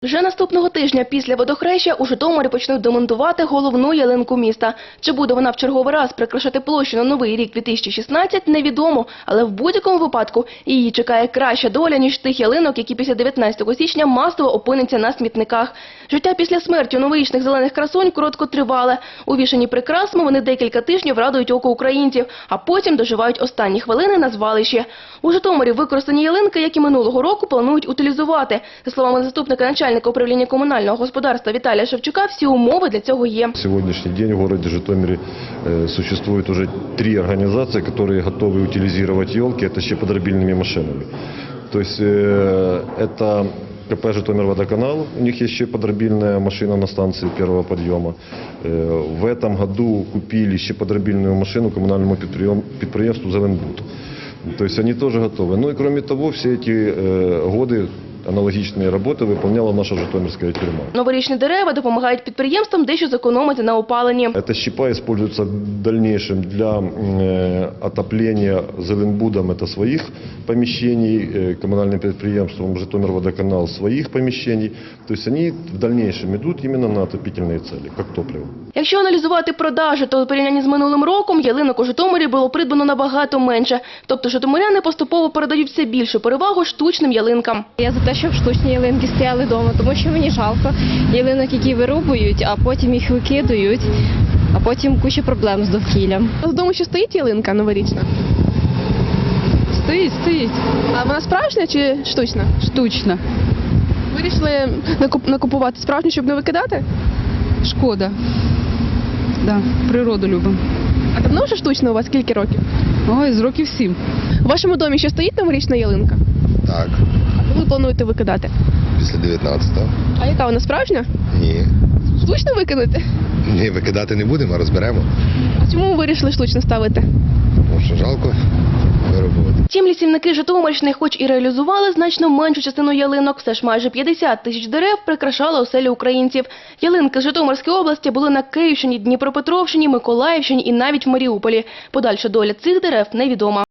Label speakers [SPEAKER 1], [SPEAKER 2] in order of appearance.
[SPEAKER 1] Вже наступного тижня після водохреща у Житомирі почнуть демонтувати головну ялинку міста. Чи буде вона в черговий раз прикрашати площу на Новий рік 2016, невідомо. Але в будь-якому випадку її чекає краща доля, ніж тих ялинок, які після 19 січня масово опиняться на смітниках. Життя після смерті новорічних зелених красунь короткотривале. Увішані прикрасами вони декілька тижнів радують око українців, а потім доживають останні хвилини на звалищі. У Житомирі використані ялинки, як і минулого року, планують утилізувати. За словами заступника начальника управління комунального господарства Віталія Шевчука, всі умови для цього є.
[SPEAKER 2] На сегодняшний день в городе Житомире существует уже 3 организации, которые готовы утилизировать елки, это щеподробильными машинами. То есть это КП «Житомирводоканал», у них есть щеподробильная машина на станции первого подъема. В этом году купили щеподробильную машину коммунальному предприятию «Зеленбуд». То есть они тоже готовы. Ну и кроме того, все эти годы аналогічні роботи виконувала наша Житомирська тюрма.
[SPEAKER 1] Новорічні дерева допомагають підприємствам дещо зекономити на опаленні.
[SPEAKER 2] Эта щепа используется в дальнейшем для отопления Зеленбудом, это своих помещений, коммунальным предприятием Житомирводоканал своих помещений. То есть они в дальнейшем идут именно на отопительные цели, как топливо.
[SPEAKER 1] Якщо аналізувати продажі, то у порівнянні з минулим роком ялинок у Житомирі було придбано набагато менше. Тобто житомиряни поступово передають все більшу перевагу штучним ялинкам.
[SPEAKER 3] Я за те, щоб штучні ялинки стояли вдома, тому що мені жалко ялинок, які вирубують, а потім їх викидають, а потім куча проблем з довкіллям.
[SPEAKER 4] У вас вдома ще стоїть ялинка новорічна?
[SPEAKER 5] Стоїть.
[SPEAKER 4] А вона справжня чи штучна?
[SPEAKER 5] Штучно.
[SPEAKER 4] Вирішили накупувати справжню, щоб не викидати?
[SPEAKER 5] Шкода. Да, природу любимо.
[SPEAKER 4] А давно вже штучна у вас? Скільки років?
[SPEAKER 5] Ой, з років 7.
[SPEAKER 4] У вашому домі ще стоїть новорічна ялинка?
[SPEAKER 6] Так,
[SPEAKER 4] А коли плануєте викидати?
[SPEAKER 6] після 19-го.
[SPEAKER 4] А яка вона справжня?
[SPEAKER 6] Ні.
[SPEAKER 4] Штучно викинути?
[SPEAKER 6] Ні, викидати не будемо, а розберемо.
[SPEAKER 4] А чому ви вирішили штучно ставити?
[SPEAKER 6] Тому що жалко вирубувати.
[SPEAKER 1] Втім, лісівники Житомирщини хоч і реалізували значно меншу частину ялинок, все ж майже 50 тисяч дерев прикрашали оселі українців. Ялинки з Житомирської області були на Київщині, Дніпропетровщині, Миколаївщині і навіть в Маріуполі. Подальша доля цих дерев невідома.